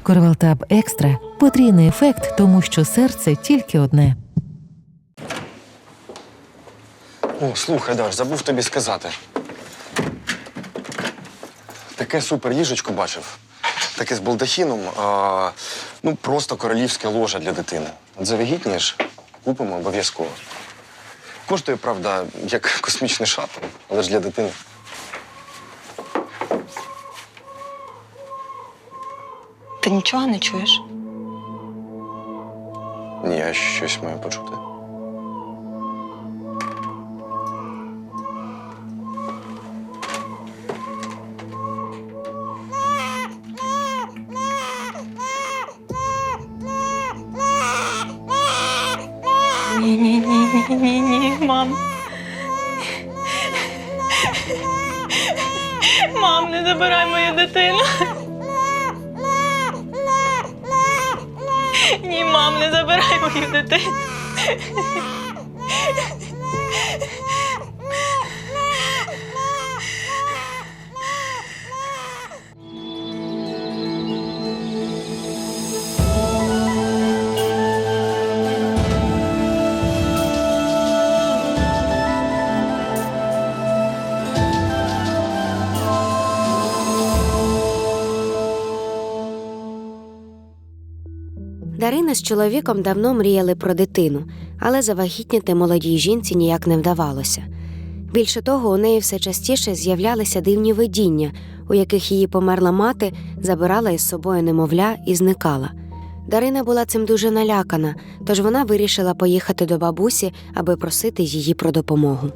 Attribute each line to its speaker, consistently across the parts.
Speaker 1: Корвалтаб Екстра – потрійний ефект, тому що серце тільки одне.
Speaker 2: О, слухай, Даш, забув тобі сказати. Таке супер ліжечко бачив. Таке з балдахіном. Ну, просто королівське ложа для дитини. От завагітнієш, купимо обов'язково. Коштує, правда, як космічний шаттл, але ж для дитини.
Speaker 3: Ти нічого не чуєш?
Speaker 2: Ні, я щось маю почути.
Speaker 3: Ні, мам. Мам, не забирай мою дитину. Ні, мам, не забирай мою дитину.
Speaker 4: Дарина з чоловіком давно мріяли про дитину, але завагітніти молодій жінці ніяк не вдавалося. Більше того, у неї все частіше з'являлися дивні видіння, у яких її померла мати забирала із собою немовля і зникала. Дарина була цим дуже налякана, тож вона вирішила поїхати до бабусі, аби просити її про допомогу.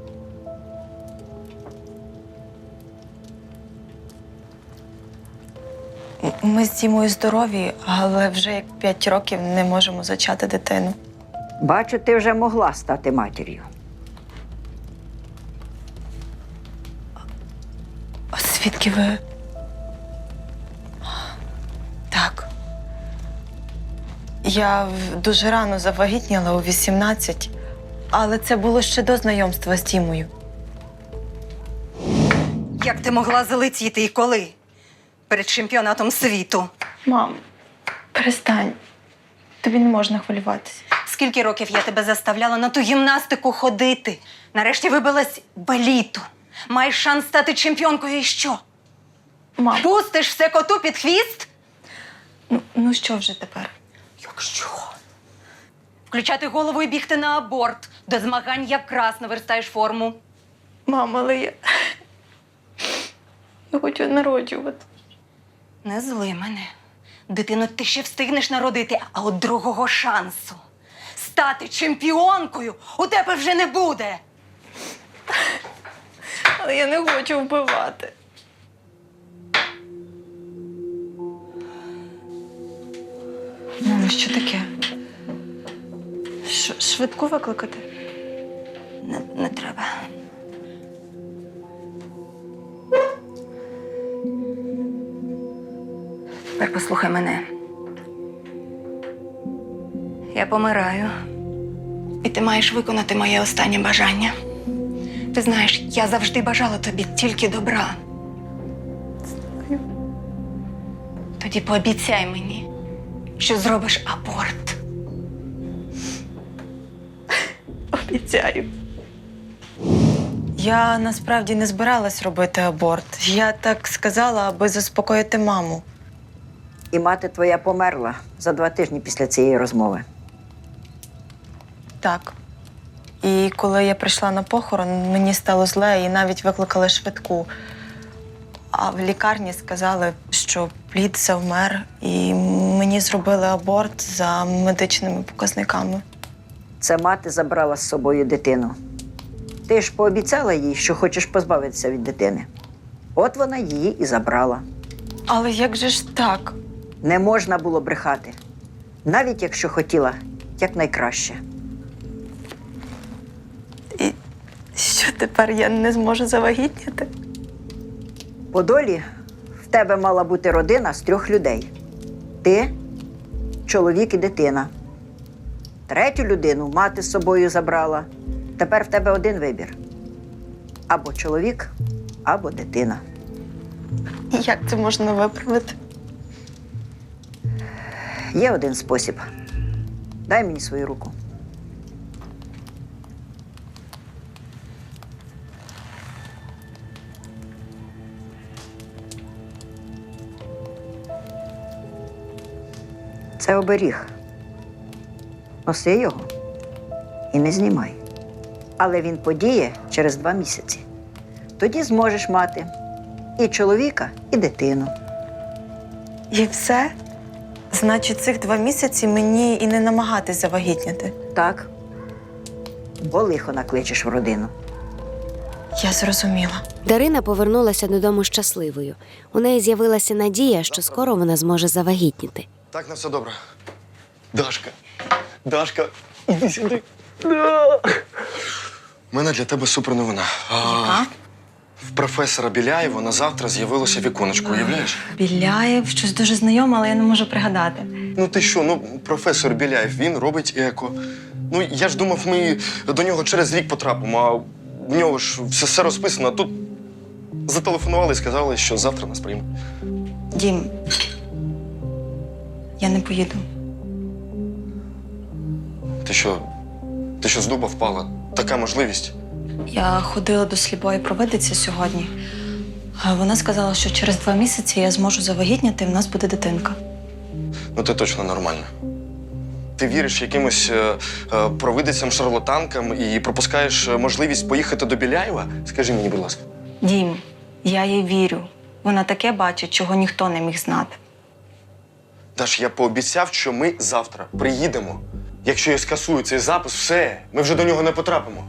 Speaker 3: Ми з Дімою здорові, але вже як 5 років не можемо зачати дитину.
Speaker 5: Бачу, ти вже могла стати матір'ю.
Speaker 3: А звідки ви? Так. Я дуже рано завагітніла у 18, але це було ще до знайомства з Дімою.
Speaker 6: Як ти могла залетіти і коли? Перед чемпіонатом світу.
Speaker 3: Мам, перестань. Тобі не можна хвилюватися.
Speaker 6: Скільки років я тебе заставляла на ту гімнастику ходити? Нарешті вибилась баліту. Маєш шанс стати чемпіонкою і що?
Speaker 3: Мам,
Speaker 6: Пустиш все коту під хвіст?
Speaker 3: ну що вже тепер?
Speaker 6: Якщо? Включати голову і бігти на аборт. До змагань якраз наверстаєш форму.
Speaker 3: Мам, але я хочу народжувати.
Speaker 6: Не зли мене. Дитину ти ще встигнеш народити, а от другого шансу стати чемпіонкою у тебе вже не буде.
Speaker 3: Але я не хочу вбивати. Мамо, що таке? Швидку викликати?
Speaker 6: Не треба. Тепер послухай мене. Я помираю. І ти маєш виконати моє останнє бажання. Ти знаєш, я завжди бажала тобі тільки добра. Тоді пообіцяй мені, що зробиш аборт.
Speaker 3: Обіцяю. Я насправді не збиралась робити аборт. Я так сказала, аби заспокоїти маму.
Speaker 5: І мати твоя померла за 2 тижні після цієї розмови.
Speaker 3: Так. І коли я прийшла на похорон, мені стало зле і навіть викликали швидку. А в лікарні сказали, що плід завмер, і мені зробили аборт за медичними показниками.
Speaker 5: Це мати забрала з собою дитину. Ти ж пообіцяла їй, що хочеш позбавитися від дитини. От вона її і забрала.
Speaker 3: Але як же ж так?
Speaker 5: Не можна було брехати. Навіть якщо хотіла якнайкраще.
Speaker 3: І що тепер я не зможу завагітніти?
Speaker 5: По долі в тебе мала бути родина з 3 людей. Ти, чоловік і дитина. 3-ю людину мати з собою забрала. Тепер в тебе один вибір. Або чоловік, або дитина.
Speaker 3: Як це можна виправити?
Speaker 5: Є один спосіб. Дай мені свою руку. Це оберіг. Носи його і не знімай. Але він подіє через 2 місяці. Тоді зможеш мати і чоловіка, і дитину.
Speaker 3: І все? Значить, цих 2 місяці мені і не намагатись завагітніти.
Speaker 5: Так. Бо лихо накличеш в родину.
Speaker 3: Я зрозуміла.
Speaker 4: Дарина повернулася додому щасливою. У неї з'явилася надія, що скоро вона зможе завагітніти.
Speaker 2: Так, на все добре. Дашка, іди сюди. У мене для тебе супер новина. В професора Біляєва на завтра з'явилося віконечко, уявляєш?
Speaker 3: Біляєв, щось дуже знайоме, але я не можу пригадати.
Speaker 2: Ну ти що, професор Біляєв, він робить еко. Ну, я ж думав, ми до нього через рік потрапимо, а в нього ж все розписано, а тут зателефонували і сказали, що завтра нас приймуть.
Speaker 3: Дім, я не поїду.
Speaker 2: Ти що з дуба впала? Така можливість.
Speaker 3: Я ходила до сліпої провидиці сьогодні. А вона сказала, що через 2 місяці я зможу завагітніти, і в нас буде дитинка.
Speaker 2: Ну, ти точно нормальна. Ти віриш якимось провидицям-шарлатанкам і пропускаєш можливість поїхати до Біляєва? Скажи мені, будь ласка.
Speaker 3: Дім, я їй вірю. Вона таке бачить, чого ніхто не міг знати.
Speaker 2: Даш, я пообіцяв, що ми завтра приїдемо. Якщо я скасую цей запис, все, ми вже до нього не потрапимо.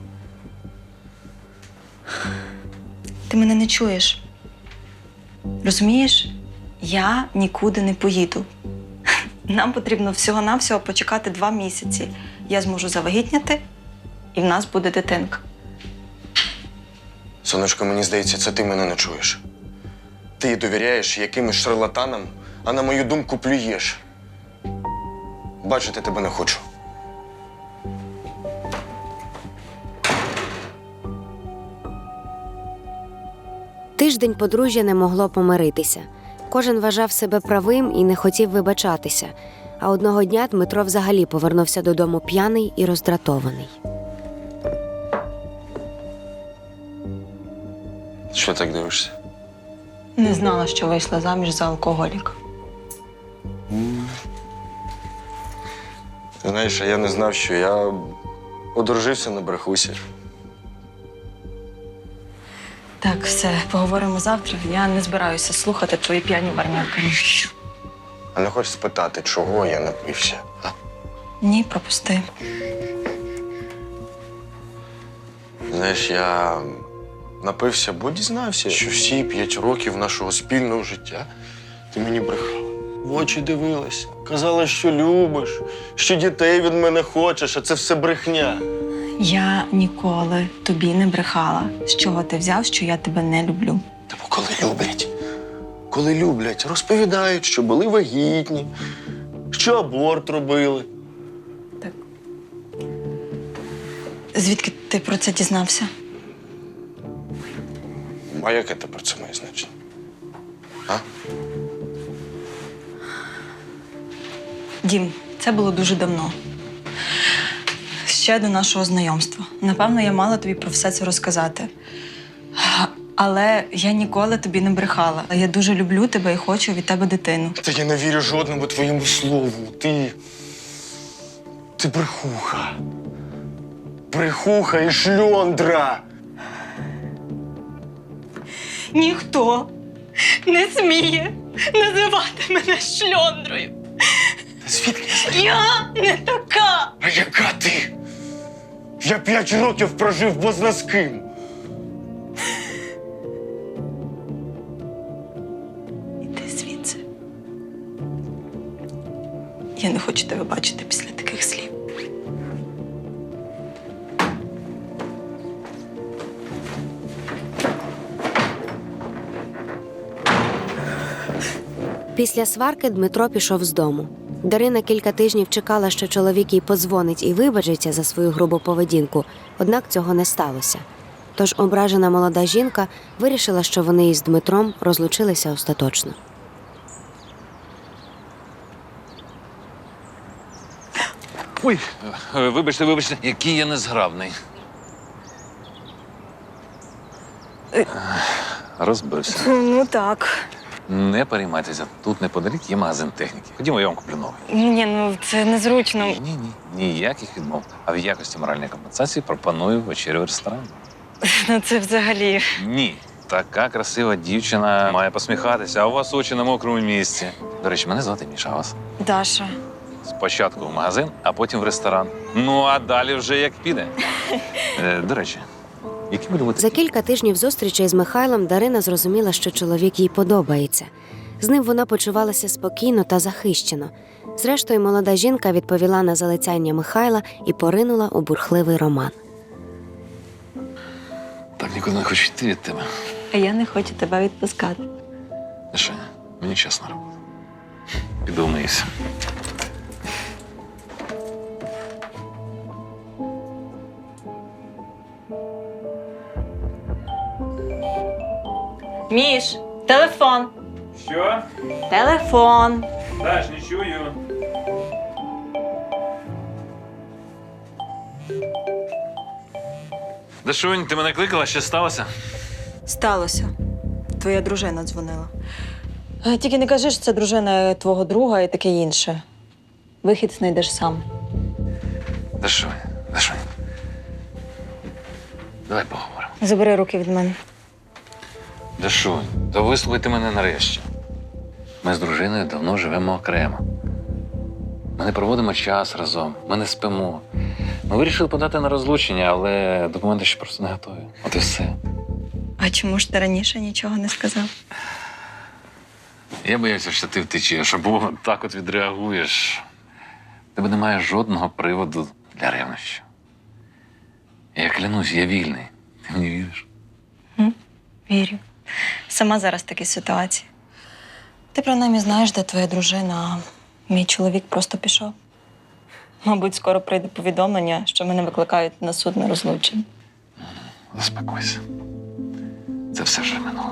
Speaker 3: Ти мене не чуєш. Розумієш? Я нікуди не поїду. Нам потрібно всього-навсього почекати 2 місяці. Я зможу завагітняти, і в нас буде дитинка.
Speaker 2: Сонечко, мені здається, це ти мене не чуєш. Ти довіряєш якимось шарлатанам, а на мою думку плюєш. Бачити тебе не хочу.
Speaker 4: Тиждень подружжя не могло помиритися. Кожен вважав себе правим і не хотів вибачатися. А одного дня Дмитро взагалі повернувся додому п'яний і роздратований.
Speaker 2: Що так дивишся?
Speaker 3: Не знала, що вийшла заміж за алкоголіка.
Speaker 2: Ти знаєш, а я не знав, що я одружився на брехусі.
Speaker 3: Так, все, поговоримо завтра. Я не збираюся слухати твої п'яні варнявки.
Speaker 2: А не хочеш спитати, чого я напився? А?
Speaker 3: Ні, пропусти.
Speaker 2: Знаєш, я напився, бо дізнався, що всі 5 років нашого спільного життя ти мені брехала. В очі дивилася, казала, що любиш, що дітей від мене хочеш, а це все брехня.
Speaker 3: Я ніколи тобі не брехала. З чого ти взяв, що я тебе не люблю?
Speaker 2: Та бо коли люблять, розповідають, що були вагітні, що аборт робили.
Speaker 3: Так. Звідки ти про це дізнався?
Speaker 2: А яке тепер це має значення? А?
Speaker 3: Дім, це було дуже давно. Ще до нашого знайомства. Напевно, я мала тобі про все це розказати. Але я ніколи тобі не брехала. Я дуже люблю тебе і хочу від тебе дитину.
Speaker 2: Та я не вірю жодному твоєму слову. Ти брехуха. Брехуха і шльондра.
Speaker 3: Ніхто не сміє називати мене шльондрою.
Speaker 2: Звідки я знаю?
Speaker 3: Я не така.
Speaker 2: А яка ти? Я 5 років прожив бозна з ким.
Speaker 3: Іди звідси. Я не хочу тебе бачити після таких слів.
Speaker 4: Після сварки Дмитро пішов з дому. Дарина кілька тижнів чекала, що чоловік їй подзвонить і вибачиться за свою грубу поведінку, однак цього не сталося. Тож ображена молода жінка вирішила, що вони із Дмитром розлучилися остаточно.
Speaker 7: Ой, вибачте, який я незграбний. Розбився.
Speaker 6: Ну так.
Speaker 7: Не переймайтеся, тут неподалік є магазин техніки. Ходімо, я вам куплю новий.
Speaker 6: Ні, ну це незручно.
Speaker 7: Ні, ніяких відмов. А в якості моральної компенсації пропоную вечерю в ресторані.
Speaker 6: Ну це взагалі.
Speaker 7: Ні. Така красива дівчина має посміхатися, а у вас очі на мокрому місці. До речі, мене звати Міша, а вас?
Speaker 6: Даша.
Speaker 7: Спочатку в магазин, а потім в ресторан. Ну, а далі вже як піде. До речі, які ви любите?
Speaker 4: За кілька тижнів зустрічей з Михайлом Дарина зрозуміла, що чоловік їй подобається. З ним вона почувалася спокійно та захищено. Зрештою, молода жінка відповіла на залицяння Михайла і поринула у бурхливий роман.
Speaker 7: Так нікуди не хочу йти від тебе.
Speaker 6: А я не хочу тебе відпускати.
Speaker 7: Міша, мені час на роботу. Піду вмиюся.
Speaker 6: Міш, телефон.
Speaker 7: Що?
Speaker 6: Телефон.
Speaker 7: Даш, не чую. Дашунь, ти мене кликала, що сталося?
Speaker 3: Сталося. Твоя дружина дзвонила. Тільки не кажи, що це дружина твого друга і таке інше. Вихід знайдеш сам.
Speaker 7: Дашунь. Давай поговоримо.
Speaker 3: Забери руки від мене.
Speaker 7: Дашунь, то вислухайте мене нарешті. Ми з дружиною давно живемо окремо. Ми не проводимо час разом, ми не спимо. Ми вирішили подати на розлучення, але документи ще просто не готові. От і все.
Speaker 3: А чому ж ти раніше нічого не сказав?
Speaker 7: Я боявся, що ти втечеш, або так от відреагуєш. В тебе немає жодного приводу для ревнощів. Я клянусь, я вільний. Ти мені віриш?
Speaker 3: Вірю. Сама зараз в такій ситуації. Ти принаймні знаєш, де твоя дружина, а мій чоловік просто пішов. Мабуть, скоро прийде повідомлення, що мене викликають на суд на розлучення.
Speaker 7: Заспокойся. Це все вже минуло.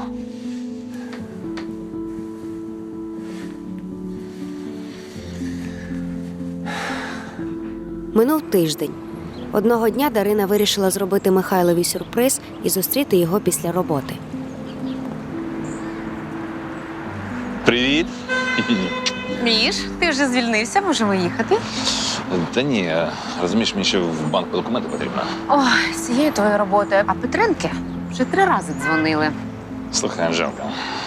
Speaker 4: Минув тиждень. Одного дня Дарина вирішила зробити Михайлові сюрприз і зустріти його після роботи.
Speaker 7: Привіт.
Speaker 8: Міш, ти вже звільнився, можемо їхати.
Speaker 7: Та ні, розумієш, мені ще в банк по документи потрібно.
Speaker 8: Ой, з цією твоєю роботою. А Петренки вже 3 рази дзвонили.
Speaker 7: Слухай, Анжелка.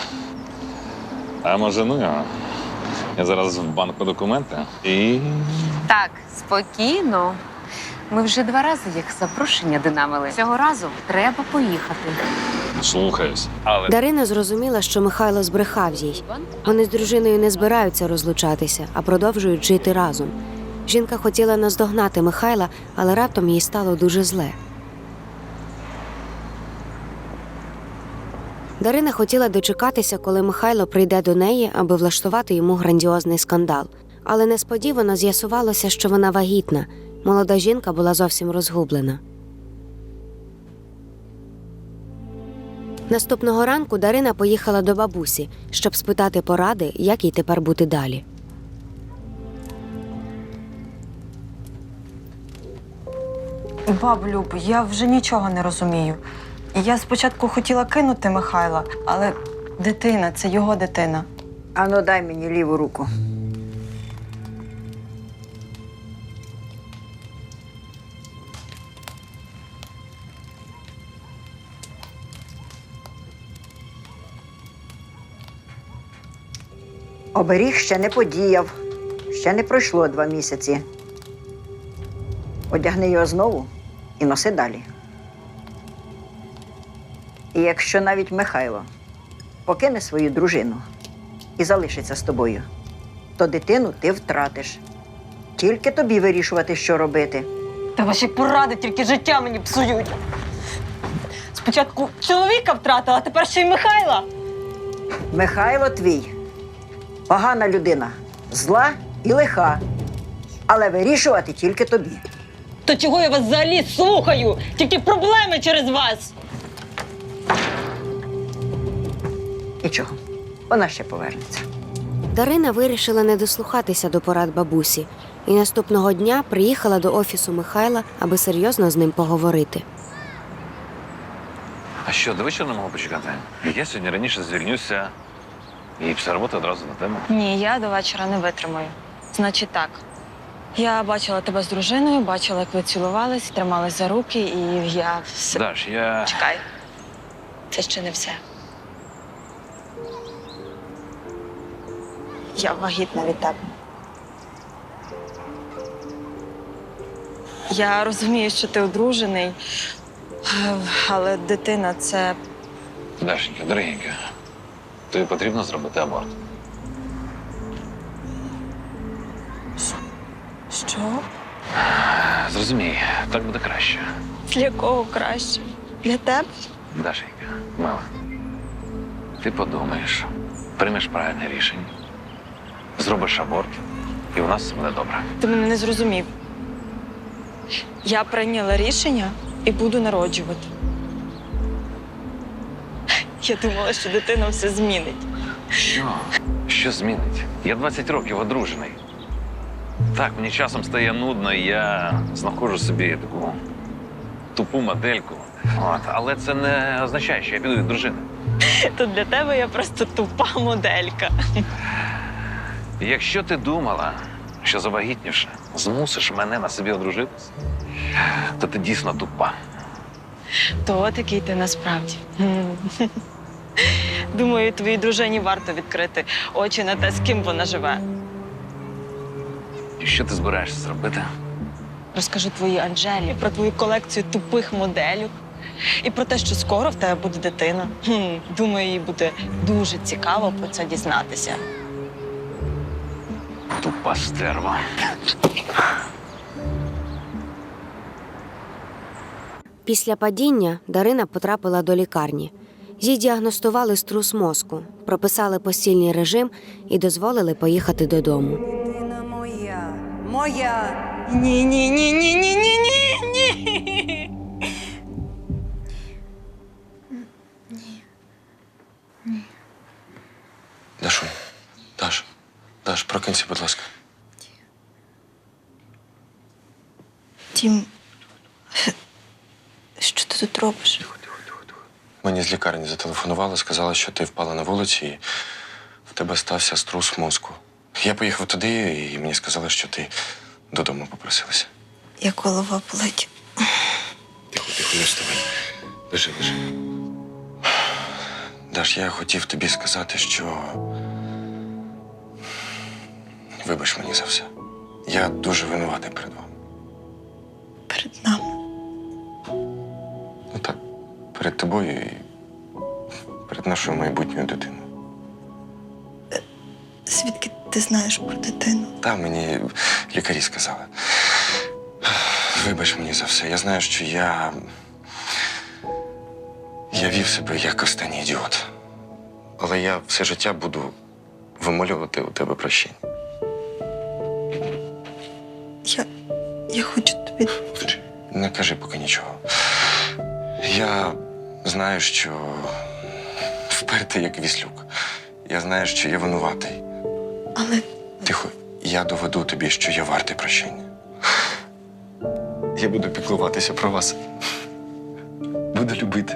Speaker 7: А може, ну його? Я зараз в банк по документи і.
Speaker 8: Так, спокійно. Ми вже 2 рази їх запрошення динамили. Цього разу треба поїхати.
Speaker 7: Слухаюсь. Але
Speaker 4: Дарина зрозуміла, що Михайло збрехав їй. Вони з дружиною не збираються розлучатися, а продовжують жити разом. Жінка хотіла наздогнати Михайла, але раптом їй стало дуже зле. Дарина хотіла дочекатися, коли Михайло прийде до неї, аби влаштувати йому грандіозний скандал. Але несподівано з'ясувалося, що вона вагітна. Молода жінка була зовсім розгублена. Наступного ранку Дарина поїхала до бабусі, щоб спитати поради, як їй тепер бути далі.
Speaker 3: Баб Люб, я вже нічого не розумію. Я спочатку хотіла кинути Михайла, але дитина – це його дитина.
Speaker 5: Ану, дай мені ліву руку. Оберіг ще не подіяв. Ще не пройшло 2 місяці. Одягни його знову і носи далі. І якщо навіть Михайло покине свою дружину і залишиться з тобою, то дитину ти втратиш. Тільки тобі вирішувати, що робити.
Speaker 3: Та ваші поради тільки життя мені псують. Спочатку чоловіка втратила, а тепер ще й Михайла.
Speaker 5: Михайло твій погана людина, зла і лиха, але вирішувати тільки тобі.
Speaker 3: То чого я вас взагалі слухаю? Тільки проблеми через вас.
Speaker 5: Нічого, вона ще повернеться.
Speaker 4: Дарина вирішила не дослухатися до порад бабусі і наступного дня приїхала до офісу Михайла, аби серйозно з ним поговорити.
Speaker 7: А що, до вечора не можу почекати? Я сьогодні раніше звільнюся і після роботи одразу на тему.
Speaker 3: Ні, я до вечора не витримаю. Значить так. Я бачила тебе з дружиною, бачила, як ви цілувались, тримались за руки, і я все.
Speaker 7: Даш, я...
Speaker 3: Чекай. Це ще не все. Я вагітна від тебе. Я розумію, що ти одружений, але дитина це.
Speaker 7: Дашенька, дорогенька, тобі потрібно зробити аборт.
Speaker 3: Що?
Speaker 7: Зрозумій, так буде краще.
Speaker 3: Для кого краще? Для тебе?
Speaker 7: Дашенька, мила, ти подумаєш, приймеш правильне рішення, зробиш аборт, і у нас все буде добре.
Speaker 3: Ти мене не зрозумів. Я прийняла рішення і буду народжувати. Я думала, що дитина все змінить.
Speaker 7: Що? Що змінить? Я 20 років одружений. Так, мені часом стає нудно, і я знаходжу собі таку тупу модельку. Але це не означає, що я піду від дружини.
Speaker 3: То для тебе я просто тупа моделька.
Speaker 7: Якщо ти думала, що завагітнівши, змусиш мене на собі одружитися, то ти дійсно тупа.
Speaker 3: То от який ти насправді. Думаю, твоїй дружині варто відкрити очі на те, з ким вона живе.
Speaker 7: І що ти збираєшся зробити?
Speaker 3: Розкажу твоїй Анжелі про твою колекцію тупих моделів і про те, що скоро в тебе буде дитина. Думаю, їй буде дуже цікаво про це дізнатися.
Speaker 7: Тупа стерва.
Speaker 4: Після падіння Дарина потрапила до лікарні. Їй діагностували струс мозку, прописали постільний режим і дозволили поїхати додому.
Speaker 5: Дитина моя.
Speaker 3: Ні.
Speaker 2: Дашу, Даш, прокинься, будь ласка.
Speaker 3: Тім, що ти тут робиш?
Speaker 2: Мені з лікарні зателефонували, сказали, що ти впала на вулиці і в тебе стався струс мозку. Я поїхав туди, і мені сказали, що ти додому попросилася.
Speaker 3: Як голова болить.
Speaker 2: Тихо, не вставай. Лежи. Даш, я хотів тобі сказати, що вибач мені за все. Я дуже винуватий перед вами.
Speaker 3: Перед нами.
Speaker 2: Ну так, перед тобою і перед нашою майбутньою дитиною.
Speaker 3: Звідки ти знаєш про дитину?
Speaker 2: Та мені лікарі сказали. Вибач мені за все. Я знаю, що я вів себе як останній ідіот. Але я все життя буду вимолювати у тебе прощення.
Speaker 3: Я хочу тобі.
Speaker 2: Не кажи поки нічого. Я знаю, що впертий як віслюк. Я знаю, що я винуватий.
Speaker 3: Але
Speaker 2: Тихо, я доведу тобі, що я вартий прощення. Я буду піклуватися про вас. Буду любити.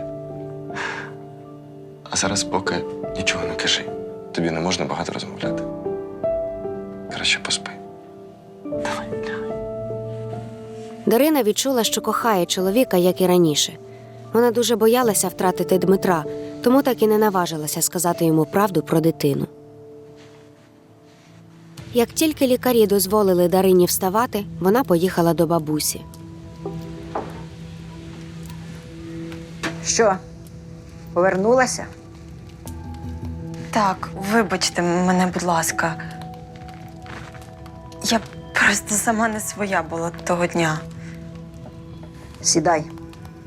Speaker 2: А зараз поки нічого не кажи. Тобі не можна багато розмовляти. Краще поспи. Давай.
Speaker 4: Дарина відчула, що кохає чоловіка, як і раніше. Вона дуже боялася втратити Дмитра, тому так і не наважилася сказати йому правду про дитину. Як тільки лікарі дозволили Дарині вставати, вона поїхала до бабусі.
Speaker 5: Що, повернулася?
Speaker 3: так, вибачте мене, будь ласка. Я просто сама не своя була того дня.
Speaker 5: Сідай.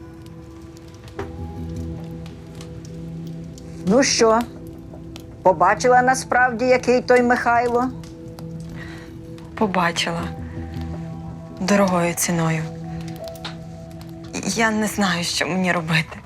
Speaker 5: Ну що, побачила насправді, який той Михайло?
Speaker 3: Побачила. Дорогою ціною. Я не знаю, що мені робити.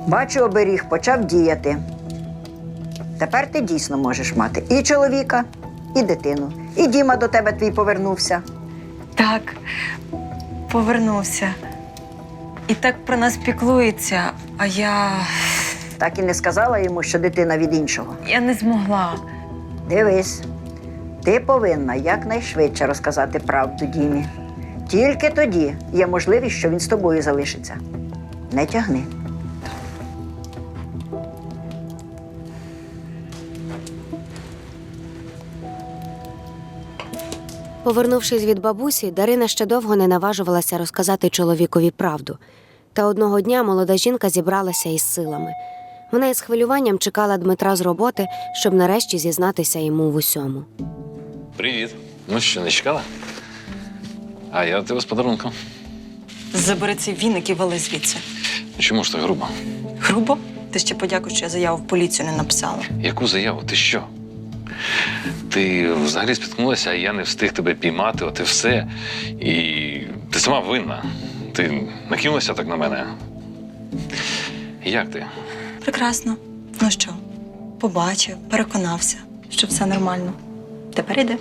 Speaker 5: Бачу, оберіг почав діяти. Тепер ти дійсно можеш мати і чоловіка, і дитину. І Діма до тебе твій повернувся.
Speaker 3: Так, повернувся. І так про нас піклується, а я
Speaker 5: Так і не сказала йому, що дитина від іншого.
Speaker 3: не змогла.
Speaker 5: Дивись, ти повинна якнайшвидше розказати правду Дімі. Тільки тоді є можливість, що він з тобою залишиться. Не тягни.
Speaker 4: Повернувшись від бабусі, Дарина ще довго не наважувалася розказати чоловікові правду. Та одного дня молода жінка зібралася із силами. Вона із хвилюванням чекала Дмитра з роботи, щоб нарешті зізнатися йому в усьому.
Speaker 7: Привіт. Ну що, не чекала? А я до тебе з подарунком.
Speaker 3: Забери цей віник і вали звідси.
Speaker 7: Чому ж так грубо?
Speaker 3: Грубо? Ти ще подякуй, що я заяву в поліцію не написала.
Speaker 7: Яку заяву? Ти що? Ти взагалі спіткнулася, а я не встиг тебе піймати, от і все. І ти сама винна. Ти накинулася так на мене. Як ти?
Speaker 3: Прекрасно. Ну що, побачив, переконався, що все нормально. Тепер іди.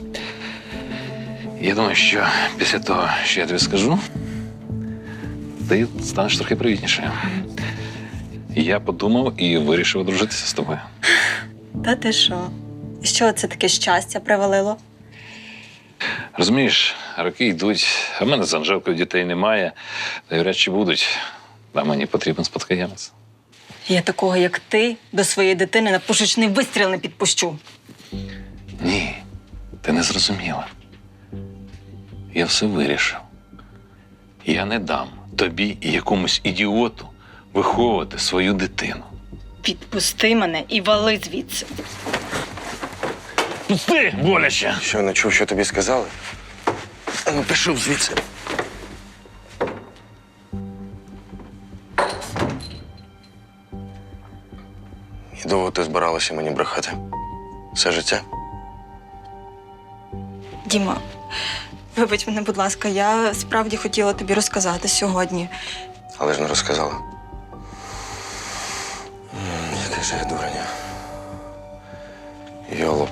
Speaker 7: Я думаю, що після того, що я тобі скажу, ти станеш трохи привітнішою. Я подумав і вирішив одружитися з тобою.
Speaker 3: Та ти що? І що це таке щастя привалило?
Speaker 7: Розумієш, роки йдуть, а в мене з Анжелкою дітей немає, та й вряд чи будуть. А мені потрібен спадкоємець.
Speaker 3: Я такого, як ти, до своєї дитини на пушечний вистріл не підпущу.
Speaker 7: Ні, ти не зрозуміла. Я все вирішив. Я не дам тобі і якомусь ідіоту виховувати свою дитину.
Speaker 3: Підпусти мене і вали звідси.
Speaker 7: Пусти, боляче!
Speaker 2: Що, не чув, що тобі сказали? А ну, пішов звідси. І довго ти збиралася мені брехати? Все життя?
Speaker 3: Діма, вибач мене, будь ласка, я справді хотіла тобі розказати сьогодні.
Speaker 2: Але ж не розказала. Який же я дуреня. Йолоп.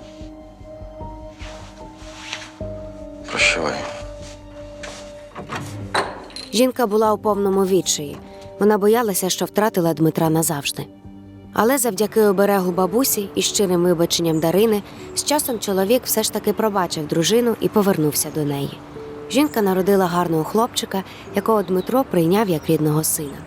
Speaker 2: Прощавай.
Speaker 4: Жінка була у повному відчаї. Вона боялася, що втратила Дмитра назавжди. Але завдяки оберегу бабусі і щирим вибаченням Дарини, з часом чоловік все ж таки пробачив дружину і повернувся до неї. Жінка народила гарного хлопчика, якого Дмитро прийняв як рідного сина.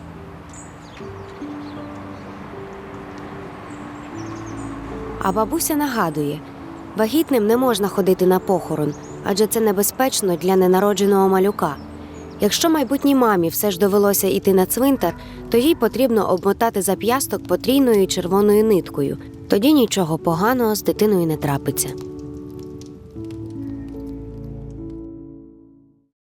Speaker 4: А бабуся нагадує, вагітним не можна ходити на похорон, адже це небезпечно для ненародженого малюка. Якщо майбутній мамі все ж довелося йти на цвинтар, то їй потрібно обмотати зап'ясток потрійною червоною ниткою. Тоді нічого поганого з дитиною не трапиться.